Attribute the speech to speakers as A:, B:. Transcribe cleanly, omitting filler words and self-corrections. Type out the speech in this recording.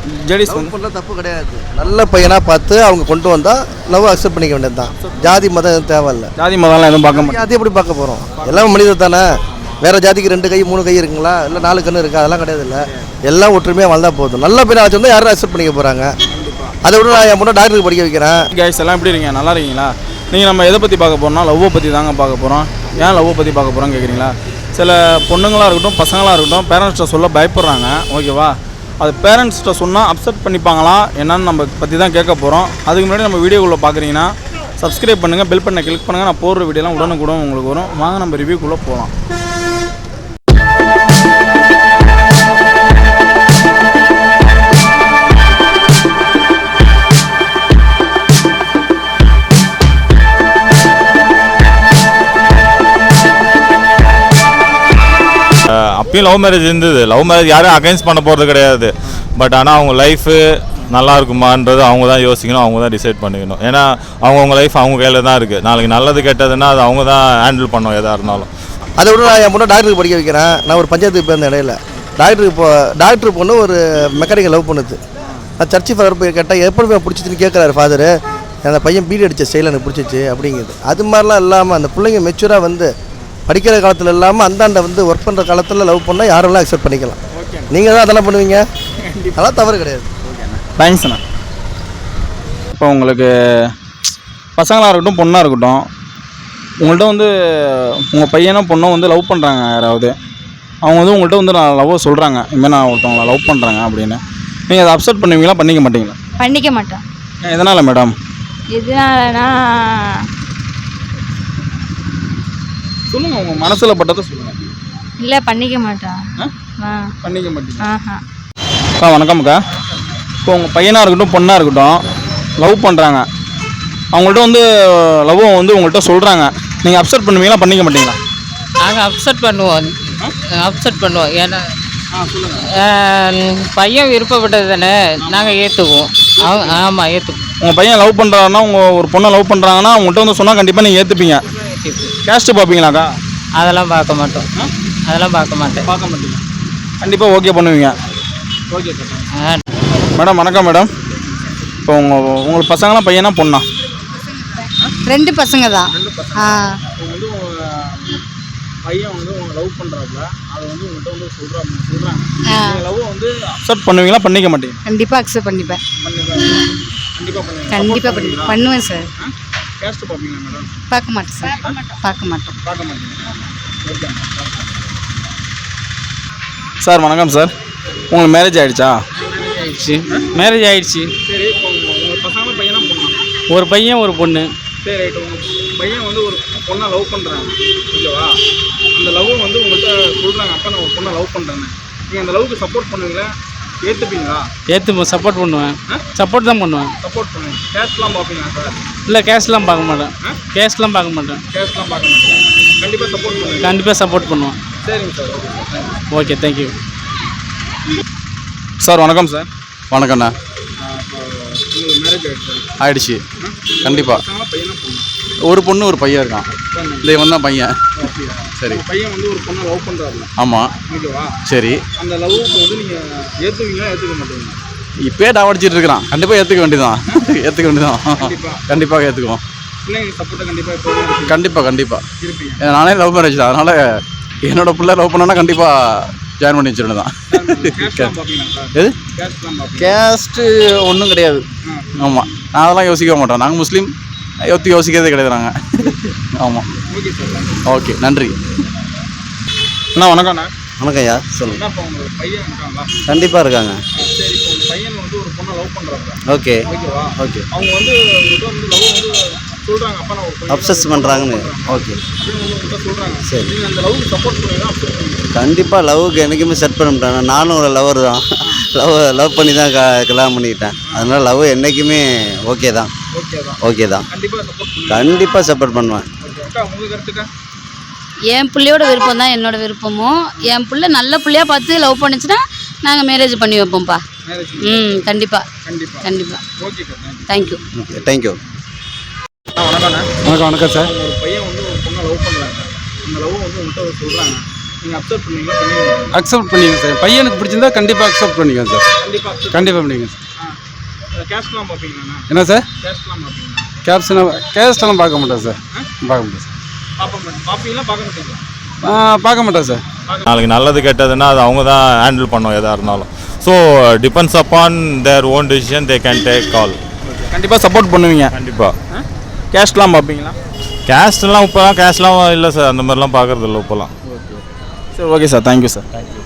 A: ஜெடிஸ்
B: பண்ணல தப்பு கிடையாது. நல்ல பையனாக பார்த்து அவங்க கொண்டு வந்தால் லவ் அக்செப்ட் பண்ணிக்க வேண்டியது தான். ஜாதி மதம் எதுவும் தேவையில்லை.
A: ஜாதி மதம்லாம் எதுவும் பார்க்க மாட்டேன்.
B: ஜாதி எப்படி பார்க்க போகிறோம்? எல்லாம் மனிதர் தானே. வேறு ஜாதிக்கு 2 கை 3 கை இருக்குங்களா? இல்லை 4 கண்ணு இருக்கா? அதெல்லாம் கிடையாது. இல்லை, எல்லாம் ஒற்றுமையாக வாழ்ந்தால் போதும். நல்ல பையனாக வச்சுருந்தா யாரும் அக்செப்ட் பண்ணிக்க போகிறாங்க. அதை விட நான் என் பொண்ணை டாக்டருக்கு படிக்க வைக்கிறேன்.
A: கைஸ் எல்லாம் எப்படி இருக்கீங்க? நல்லா இருக்கீங்களா? நீங்கள் நம்ம எதை பற்றி பார்க்க போகிறோம்னா லவ்வை பற்றி தாங்க பார்க்க போகிறோம். ஏன் லவ்வை பற்றி பார்க்க போகிறோம் கேட்குறீங்களா? சில பொண்ணுங்களாக இருக்கட்டும், பசங்களாக இருக்கட்டும், பேரண்ட்ஸ்கிட்ட சொல்ல பயப்படுறாங்க. ஓகேவா? அது பேரண்ட்ஸ்கிட்ட சொன்னால் அப்செட் பண்ணிப்பாங்களா என்னன்னு நம்ம பற்றி தான் கேட்க போகிறோம். அதுக்கு முன்னாடி நம்ம வீடியோக்குள்ளே பார்க்குறீங்கன்னா சப்ஸ்கிரைப் பண்ணுங்கள், பெல் பண்ண கிளிக் பண்ணுங்கள். நான் போடுற வீடியோலாம் உடனுக்குடன் உங்களுக்கு வரும். வாங்க நம்ம ரிவ்யூக்குள்ளே போகலாம்.
C: அப்பயும் லவ் மேரேஜ் இருந்தது. லவ் மேரேஜ் யாரும் அகைன்ஸ்ட் பண்ண போகிறது கிடையாது. பட் ஆனால் அவங்க லைஃபு நல்லா இருக்குமான்றது அவங்க தான் யோசிக்கணும், அவங்க தான் டிசைட் பண்ணிக்கணும். ஏன்னா அவங்கவுங்க லைஃப் அவங்க கையில் தான் இருக்குது. நாளைக்கு நல்லது கெட்டதுன்னா அது அவங்க தான் ஹேண்டில் பண்ணணும் எதாக இருந்தாலும்.
B: அதை விட நான் என் பொண்ணை டாக்டருக்கு படிக்க வைக்கிறேன். நான் ஒரு பஞ்சாயத்துக்கு போயிருந்த இடையில டாக்டர் பொண்ணு ஒரு மெக்கானிக்கல் லவ் பண்ணுது. நான் சர்ச்சு ஃபாதர் போய் கேட்டால் எப்படி பிடிச்சிச்சின்னு கேட்குறாரு ஃபாதரு. அந்த பையன் பீடி அடித்த ஸ்டைல் எனக்கு பிடிச்சிச்சு அப்படிங்குது. அது மாதிரிலாம் இல்லாமல் அந்த பிள்ளைங்க மெச்சூராக வந்து படிக்கிற காலத்தில் இல்லாமல் அந்தாண்ட வந்து ஒர்க் பண்ணுற காலத்தில் லவ் பண்ணால் யாரெல்லாம் அக்செப்ட் பண்ணிக்கலாம். நீங்கள் தான் அதெல்லாம் பண்ணுவீங்க, அதெல்லாம் தவறு கிடையாது.
A: தேங்க்ஸ்ண்ணா. இப்போ உங்களுக்கு பசங்களாக இருக்கட்டும், பொண்ணாக இருக்கட்டும், உங்கள்கிட்ட வந்து உங்கள் பையனோ பொண்ணோ வந்து லவ் பண்ணுறாங்க. யாராவது அவங்க வந்து உங்கள்கிட்ட வந்து நான் லவ் சொல்கிறாங்க, இனிமேல் நான் ஒருத்தவங்களை லவ் பண்ணுறாங்க அப்படின்னு, நீங்கள் அதை அப்செட் பண்ணுவீங்களா பண்ணிக்க மாட்டீங்களா?
D: பண்ணிக்க மாட்டேன்.
A: எதனால் மேடம்?
D: எதனாலனா
A: சொல்லுங்கள், உங்கள் மனசில் பட்டதை சொல்லுங்கள்.
D: இல்லை பண்ணிக்க மாட்டேன்.
A: பண்ணிக்க மாட்டீங்க? அக்கா வணக்கம் அக்கா. இப்போ உங்கள் பையனாக இருக்கட்டும், பொண்ணாக இருக்கட்டும், லவ் பண்ணுறாங்க. அவங்கள்ட்ட வந்து லவ் வந்து உங்கள்கிட்ட சொல்கிறாங்க, நீங்கள் அப்செட் பண்ணுவீங்களா பண்ணிக்க மாட்டீங்களா?
E: நாங்கள் அப்செட் பண்ணுவோம். ஏன்னா பையன் விருப்பப்பட்டது தானே, நாங்கள் ஏற்றுக்குவோம். ஆமாம், ஏற்றுக்குவோம்.
A: உங்கள் பையன் லவ் பண்ணுறாங்கன்னா, உங்கள் ஒரு பொண்ணை லவ் பண்ணுறாங்கன்னா உங்கள்கிட்ட வந்து சொன்னால் கண்டிப்பாக நீங்கள் ஏற்றுப்பீங்க. கேஸ்ட்டு பார்ப்பீங்களாக்கா?
E: அதெல்லாம் பார்க்க மாட்டோம். பார்க்க மாட்டீங்க.
A: கண்டிப்பாக ஓகே பண்ணுவீங்க. Okay madam. வணக்கம் மேடம். இப்போ உங்களுக்கு பசங்களாம் பையனா பொண்ணா?
D: 2 பசங்க தான்.
A: வந்து பையன் வந்து உங்களை லவ் பண்ணுறாப்புல, அதை வந்து உங்கள்கிட்ட வந்து சொல்கிறாங்க. லவ் வந்து அக்செப்ட் பண்ணுவீங்களா பண்ணிக்க மாட்டீங்க?
D: கண்டிப்பாக அக்செப்ட் பண்ணிப்பேன். கண்டிப்பாக பண்ணுவேன் சார்.
A: கேஸ்ட்டு பார்ப்பீங்களா மேடம்?
D: பார்க்க மாட்டேன் சார். பார்க்க மாட்டீங்க.
A: Okay sir. வணக்கம் சார். உங்களுக்கு மேரேஜ் ஆகிடுச்சா?
E: மேரேஜ் ஆகிடுச்சு.
A: சரி. இப்போ உங்கள் பசங்களும் பையனா பொண்ணா?
E: ஒரு பையன் ஒரு பொண்ணு.
A: சரி ரைட்டு. உங்கள் பையன் வந்து ஒரு பொண்ணை லவ் பண்ணுறாங்க. ஓகேவா? அந்த லவ் வந்து உங்கள்கிட்ட சொல்கிறாங்க, அப்போ நான் ஒரு பொண்ணை லவ் பண்ணுறேன்னு. நீங்கள் அந்த லவ்வுக்கு சப்போர்ட் பண்ணுவீங்களா, ஏற்றுப்பீங்களா?
E: சப்போர்ட் பண்ணுவேன். சப்போர்ட் தான் பண்ணுவேன்.
A: சப்போர்ட் பண்ணுவேன். கேஷ்லாம் பார்ப்பீங்களா சார்?
E: இல்லை, கேஷ்லாம் பார்க்க மாட்டேன். கேஷ்லாம் பார்க்க மாட்டேன்.
A: கண்டிப்பாக சப்போர்ட் பண்ணுவேன்.
E: கண்டிப்பாக சப்போர்ட் பண்ணுவேன்.
A: சரிங்க சார்.
E: Okay, thank you
A: sir. வணக்கம் சார்.
F: வணக்கண்ணா.
A: உங்களுக்கு மேரேஜ்
F: ஆயிடுச்சு. கண்டிப்பாக.
A: பையனா பொண்ணு?
F: ஒரு பொண்ணு ஒரு பையன் இருக்கான். இல்லை, இவன் தான் பையன். சரி.
A: பையன் வந்து ஒரு பொண்ணை லவ் பண்ணுறாருல?
F: ஆமாம்.
A: ஓகேவா?
F: சரி.
A: அந்த லவ்வுக்கு வந்து நீங்கள் ஏற்றுவீங்களா ஏற்றுக்க மாட்டீங்களா?
F: இப்போயே டாவடிச்சிட்டு இருக்கிறான். கண்டிப்பாக ஏற்றுக்க வேண்டியதான். கண்டிப்பாக ஏற்றுக்குவோம்.
A: பிள்ளைங்க சப்போர்ட்டை கண்டிப்பாக
F: கண்டிப்பாக
A: இருப்பீங்க.
F: நானே லவ் மேரேஜ் தான். அதனால் என்னோட பிள்ளை லவ் பண்ணோன்னா கண்டிப்பாக ஜாயின் பண்ணி வச்சுருந்தேன் தான். எது கேஸ்ட்டு ஒன்றும் கிடையாது. ஆமாம், நான் அதெல்லாம் யோசிக்க மாட்டோம். நாங்கள் முஸ்லீம், யோசிக்கிறதே கிடையாது நாங்கள். ஆமாம். ஓகே, நன்றி
A: அண்ணா. வணக்கம்ண்ணா.
B: வணக்கம் ஐயா, சொல்லுங்கள்.
A: இப்போ உங்களுக்கு பையன் இருக்காங்களா?
B: கண்டிப்பாக இருக்காங்க.
A: சரி. இப்போ உங்கள் பையன் வந்து ஒரு பொண்ணை லவ் பண்ணுறாங்க.
B: ஓகே.
A: ஓகேவா?
B: ஓகே.
A: அவங்க வந்து உங்கள்கிட்ட வந்து லவ் வந்து சொல்கிறாங்க, அப்போ நான் ஒரு
B: அப்சஸ் பண்ணுறாங்கன்னு. ஓகே,
A: உங்கள்கிட்ட சொல்கிறாங்க.
B: சரி.
A: நீங்கள் அந்த லவ்வுக்கு சப்போர்ட் பண்ணுவீங்களா அப்செட் பண்ணுவீங்களா?
B: கண்டிப்பாக லவ்வுக்கு என்றைக்குமே செட் பண்ண மாட்டேன். நானும் ஒரு லவர் தான். லவ் பண்ணி தான் கல்யாணம் பண்ணிக்கிட்டேன். அதனால் லவ் என்றைக்குமே ஓகே தான். கண்டிப்பாக சப்போர்ட் பண்ணுவேன்.
A: உங்களுக்கு கருத்துக்கா?
D: என் பிள்ளையோட விருப்பம் தான் என்னோட விருப்பமும். என் பிள்ளை நல்ல பிள்ளையாக பார்த்து லவ் பண்ணிச்சுன்னா நாங்கள் மேரேஜ் பண்ணி வைப்போம்ப்பா. கண்டிப்பாக.
A: ஓகே.
D: தேங்க்யூ.
B: Okay, thank you.
A: வணக்கம்ண்ணா.
E: வணக்கம் சார்.
A: ஒரு பையன் வந்து ஒரு பொண்ணை லவ் பண்ணுறாங்க. அந்த லவ் வந்து உங்கள்கிட்ட சொல்கிறாங்க, நீங்கள் அப்சர்வ் பண்ணுவீங்களா பண்ணுவீங்களா?
G: அக்செப்ட் பண்ணிக்கங்க சார். பையனுக்கு பிடிச்சிருந்தா கண்டிப்பாக அக்செப்ட் பண்ணிக்கங்க சார். கண்டிப்பாக பண்ணிக்கங்க சார்.
A: கேஷ்லாம் பார்ப்பீங்களாண்ணா?
G: என்ன சார்?
A: கேஷ்லாம் பார்ப்பீங்களா?
G: கேஸ்டெல்லாம் பார்க்க மாட்டேன் சார். பார்க்க மாட்டேன் சார்.
A: பார்ப்பீங்களா பார்க்க மாட்டீங்களா?
G: பார்க்க மாட்டேன் சார்.
C: நாளைக்கு நல்லது கெட்டதுன்னா அது அவங்க தான் ஹேண்டில் பண்ணும் எதாக இருந்தாலும். So depends upon their own decision they can take call.
A: கண்டிப்பாக சப்போர்ட் பண்ணுவீங்க.
C: கண்டிப்பாக.
A: கேஷ்லாம் பார்ப்பீங்களா?
C: கேஸ்ட்லாம் இப்போலாம் கேஷ்லாம் இல்லை சார், அந்த மாதிரிலாம் பார்க்குறது இல்லை இப்போலாம்.
A: சரி, ஓகே சார், தேங்க்யூ சார்.